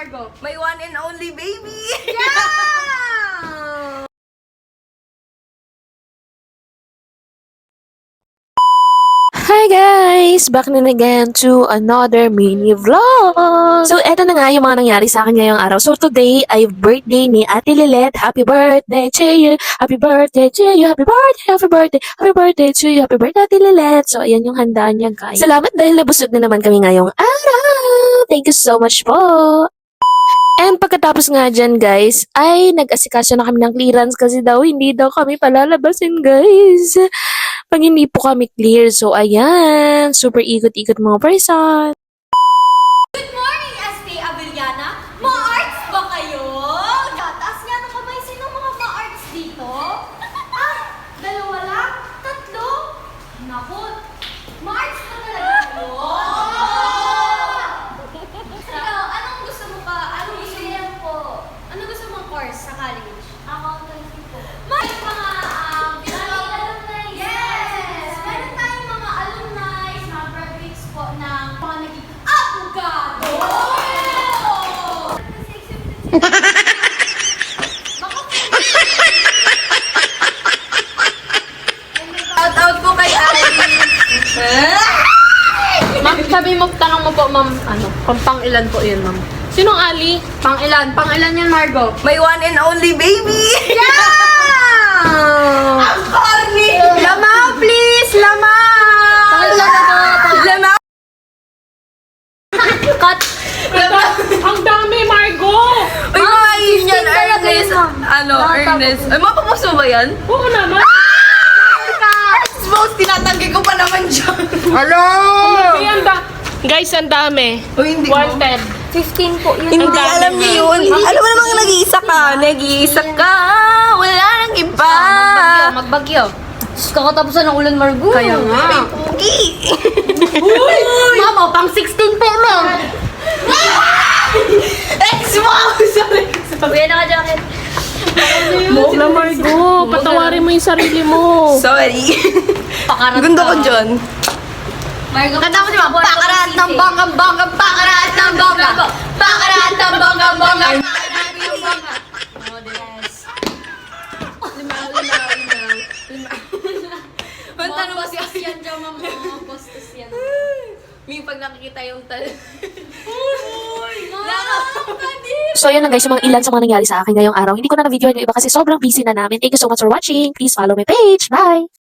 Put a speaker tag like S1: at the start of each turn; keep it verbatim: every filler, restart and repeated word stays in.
S1: Margo?
S2: My one and only baby!
S1: Yeah!
S3: Hi guys! Back na again to another mini vlog! So, eto na nga yung mga nangyari sa akin ngayong araw. So, today ay birthday ni Ate Lilet. Happy birthday to you! Happy birthday to you! Happy birthday! Happy birthday! Happy birthday to you! Happy birthday, Ate Lilet! So, ayan yung handa niya, guys. Salamat dahil nabusog na naman kami ngayong araw! Thank you so much po! And pagkatapos nga dyan, guys, ay nag-asikaso na kami ng clearance kasi daw hindi daw kami palalabasin, guys. Pag hindi po kami clear. So, ayan. Super ikot-ikot mga person.
S1: Good morning, S T Avellana. Ma-arts ba kayo? Taas nga ng kamay. Sino mga ma-arts dito? Ah, dalawa lang? Tatlo? Naku, ma-arts pa talaga kayo? Ikaw, anong gusto mo pa? Anong gusto mo po? Anong gusto mong course sa college? Accountancy po. May mga um, alumni. Yes! Meron tayong mga alumni, mga graduates po ng mga naging abogado!
S2: Shout out po kay Ali!
S4: Ma'am, sabi mo, tanong mo po, ma'am, ano, kung pang ilan po yun, ma'am? Sinong Ali?
S1: Pang ilan? Pang ilan yan, Margo?
S2: My one and only baby!
S1: Yeah!
S2: Ang corny!
S1: Lama, please! Lama!
S2: Lama!
S1: Cut!
S4: Ang dami, Margo!
S2: Uy, mga yun yan, Ernest. Ano, Ernest. Ay, mapapuso ba yan?
S4: Oo naman.
S2: Expose, tinatanggi ko pa naman dyan.
S4: Hello! Ay, ang da- Guys, ang dami.
S2: Uy, hindi mo.
S4: Wanted.
S1: fifteen po yun.
S2: Hindi,
S4: Ang dami,
S2: alam niyo yun. Alam mo namang nag-iisa ka. Nag-iisa ka. Wala nang iba.
S1: Magbagyo, magbagyo. Kakatapusan ng ulan, Margo.
S4: Kaya nga.
S2: Ay, pugi.
S1: Mama, pang sixteen po, ma'am.
S2: Expose! Sorry.
S1: Kuya, naka-jacket.
S4: Huwag na, Margo. Patawarin mo yung sarili mo.
S2: Sorry.
S1: Pakarat
S2: Gundo ko dyan.
S1: Margo, kanta mo di ba? Pakarat ng bangga, bangga, pakarat ng bangga. Pakarat ng bangga, bangga. Pakarat ng bangga. Yes.
S2: Punta mo si
S1: Bastos yan dyan, mama. Bastos yan.
S2: May pag nakikita yung tal...
S3: So, yun lang guys, yung mga ilan sa mga nangyari sa akin ngayong araw. Hindi ko na na-video yung iba kasi sobrang busy na namin. Thank you so much for watching. Please follow my page. Bye!